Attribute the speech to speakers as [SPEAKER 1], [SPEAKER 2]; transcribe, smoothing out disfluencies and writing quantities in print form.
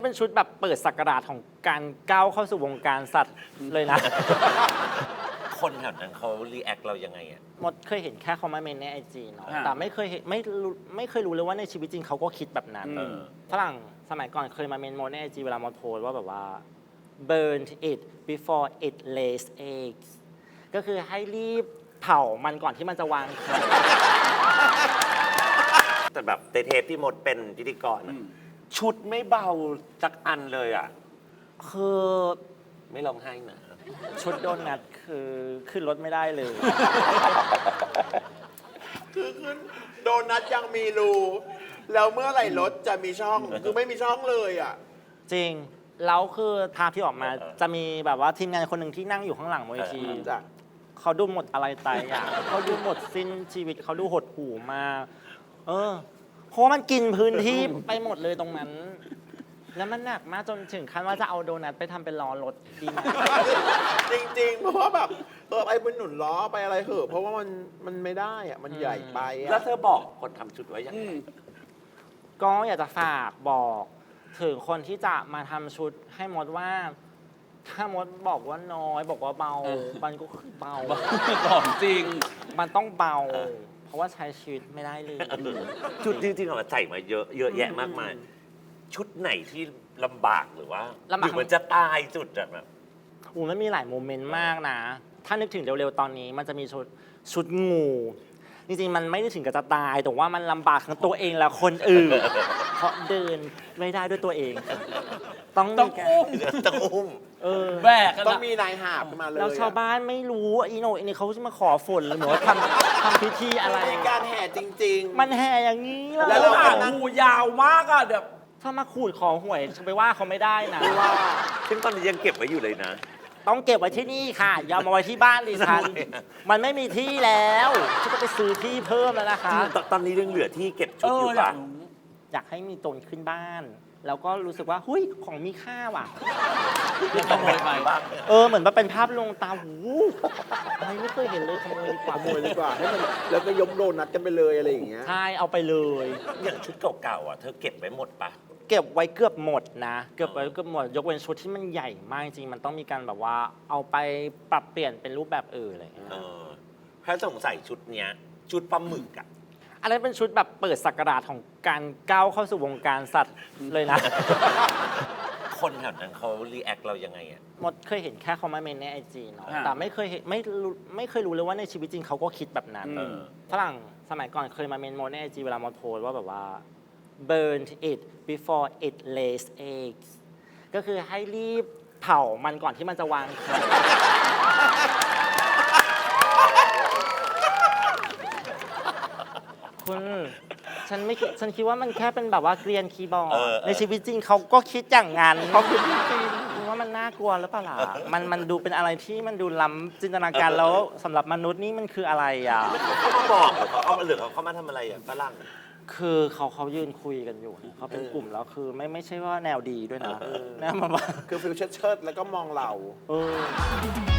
[SPEAKER 1] เป็นชุดแบบเปิดศักราชของการก้าวเข้าสู่วงการสัตว์เลยนะ
[SPEAKER 2] คนแถวนั้นเขารีแอคเรายังไงอ่ะ
[SPEAKER 1] มดเคยเห็นแค่เขามาเมนในไอจีเนาะ
[SPEAKER 3] อ่า
[SPEAKER 1] แต่ไม่เคยเห็นไม่เคยรู้เลยว่าในชีวิตจริงเขาก็คิดแบบนั้น ฝรั่งสมัยก่อนเคยมาเมนมดในไอจีเวลามดโพสต์ว่าแบบว่า burn it before it lays eggs ก็คือให้รีบเผามันก่อนที่มันจะวางไข่
[SPEAKER 2] แต่แบบเทปที่มดเป็นพิธีกรอะชุดไม่เบาสักอันเลยอ่ะ
[SPEAKER 1] คือ
[SPEAKER 2] ไม่ร้องไห้นะ
[SPEAKER 1] ชุดโดนัทคือขึ้นรถไม่ได้เลย
[SPEAKER 4] คือขึ้นโดนัทยังมีรูแล้วเมื่อไหร่รถจะมีช่อง คือไม่มีช่องเลยอ่ะ
[SPEAKER 1] จริง แล้วคือภาพที่ออกมาจะมีแบบว่าทีมงานคนหนึ่งที่นั่งอยู่ข้างหลังเวที
[SPEAKER 4] จ้ะ
[SPEAKER 1] เขาดูหมดอะไรตายอย่าง เขาดูหมดสิ้นชีวิตเขาดูหดหู่มากเพราะว่ามันกินพื้นที่ไปหมดเลยตรงนั้น แล้วมันหนักมากจนถึงขั้นว่าจะเอาโดนัทไปทำเป็นล้อรถดีไหม
[SPEAKER 4] จริงๆ เพราะว่าแบบไปบนหนุนล้อไปอะไรเหอะ เพราะว่ามันไม่ได้อ่ะ มันใหญ่ไป
[SPEAKER 2] แล้ว
[SPEAKER 4] อ่ะ
[SPEAKER 2] เธอบอกคนทำชุดไว้ยังไง
[SPEAKER 1] ก็อยากจะฝากบอกถึงคนที่จะมาทำชุดให้มดว่า ถ้ามดบอกว่าน้อยบอกว่าเบา มันก็คือเบา
[SPEAKER 3] ของจริง
[SPEAKER 1] มันต้องเบา เพราะว่าใช้ชีวิตไม่ได้เลย
[SPEAKER 2] ชุดจริงๆเราใส่มาเยอะแยะมากมาย ชุดไหนที่ลำบากหรือว่า
[SPEAKER 1] ลำบาก
[SPEAKER 2] หรือมันจะตายจุดอะแบบ
[SPEAKER 1] มันมีหลายโมเมนต์มากนะ ถ้านึกถึงเร็วๆตอนนี้มันจะมีชุดงู จริงๆ มันไม่ได้ถึงกับจะตาย แต่ว่ามันลำบากทั้งตัวเองและคนอื่น เพราะเดินไม่ได้ด้วยตัวเอง ต้อง
[SPEAKER 3] ต้อง
[SPEAKER 1] มีการ
[SPEAKER 3] อุ้ม
[SPEAKER 2] ต้องอุ้ม
[SPEAKER 3] แบกกัน
[SPEAKER 4] ต้อง
[SPEAKER 3] อะ
[SPEAKER 4] มีนายหาบมาเลย
[SPEAKER 1] แล้วชาวบ้านไม่รู้อีโนอีนี่เขาจะมาขอฝนหรือเหมือนว่าทำพิธีอะไร
[SPEAKER 4] มีการแห่จริง
[SPEAKER 1] มันแห่อย่างนี้เล
[SPEAKER 4] แล้
[SPEAKER 1] ยว
[SPEAKER 4] เรา
[SPEAKER 3] หางงูยาวมากอะแบบ
[SPEAKER 1] ถ้ามาขูดขอหวยจะไปว่าเขาไม่ได้นะ
[SPEAKER 4] ๆว่า
[SPEAKER 2] ซึ่งตอนนี้ยังเก็บไว้อยู่เลยนะ
[SPEAKER 1] ต้องเก็บไว้ที่นี่ค่ะ อย่ามาไว้ที่บ้านดิฉัน
[SPEAKER 2] ทำไมอะ
[SPEAKER 1] มันไม่มีที่แล้วฉันก็ไปซื้อที่เพิ่มแล้วนะคะ
[SPEAKER 2] ตอนนี้ยังเหลือที่เก็บชุ
[SPEAKER 3] เอ
[SPEAKER 2] ดอ
[SPEAKER 3] อยู่ อยา
[SPEAKER 2] ปะ
[SPEAKER 3] กรู้
[SPEAKER 1] อยากให้มีตนขึ้นบ้าน แล้วก็รู้สึกว่าหุยของมีค่าว่ะ
[SPEAKER 3] ขโมยไป
[SPEAKER 2] บ้าง
[SPEAKER 1] เหมือนมาเป็นภาพลวงตาหูอะไรไม่เคยเห็นเลยขโมยดีกว่า
[SPEAKER 4] ขโมยดีกว่าให้มันแล้วก็ยกโดนัทกันไปเลยอะไรอย่างเงี้ย
[SPEAKER 1] ใช่เอาไปเลย
[SPEAKER 2] อย่างชุดเก่าๆอ่ะเธอเก็บไว้หมดปะ
[SPEAKER 1] เก็บไว้เกือบหมดนะ เกือบไว้เกือบหมด ยกเว้นชุดที่มันใหญ่มากจริงมันต้องมีการแบบว่า เอาไปปรับเปลี่ยนเป็นรูปแบบอื่นอะไรอย่างเงี้ย
[SPEAKER 2] เออถ้าสงสัยชุดเนี้ย ชุดปลาหมึกอะ
[SPEAKER 1] อันนั้นเป็นชุดแบบเปิดศักราชของการก้าวเข้าสู่วงการสัตว์เลยนะ
[SPEAKER 2] คนแถวนั้นเขารีแอคเรายังไงอ่ะ
[SPEAKER 1] มดเคยเห็นแค่เขามาเมนในไอจีเนาะ
[SPEAKER 3] อ่า
[SPEAKER 1] แต่ไม่เคยเห็นไม่เคยรู้เลยว่าในชีวิตจริงเขาก็คิดแบบนั้น ฝรั่งสมัยก่อนเคยมาเมนมดในไอจีเวลามดโพสต์ว่าแบบว่า burn it before it lays eggs ก็คือให้รีบเผามันก่อนที่มันจะวางไข่ คุณฉันคิดว่ามันแค่เป็นแบบว่าเกรียนคีย์บอร์ด ในชีวิตจริงเขาก็คิดอย่างนั้นเขาคิดจริงๆคุณว่ามันน่ากลัวหรือเปล่าล่ะมันดูเป็นอะไรที่มันดูล้ำจินตนาการแล้วสำหรับมนุษย์นี่มันคืออะไรอ่ะ
[SPEAKER 2] เขามาบอกหรือเขามาทำอะไรอ่ะฝรั่ง
[SPEAKER 1] คือเขายืนคุยกันอยู่นะเขาเป็นกลุ่มแล้วคือไม่ใช่ว่าแนวดีด้วยนะแนวมาว่า
[SPEAKER 4] คือฟิลเชิดๆแล้วก็มองเรา
[SPEAKER 1] เออ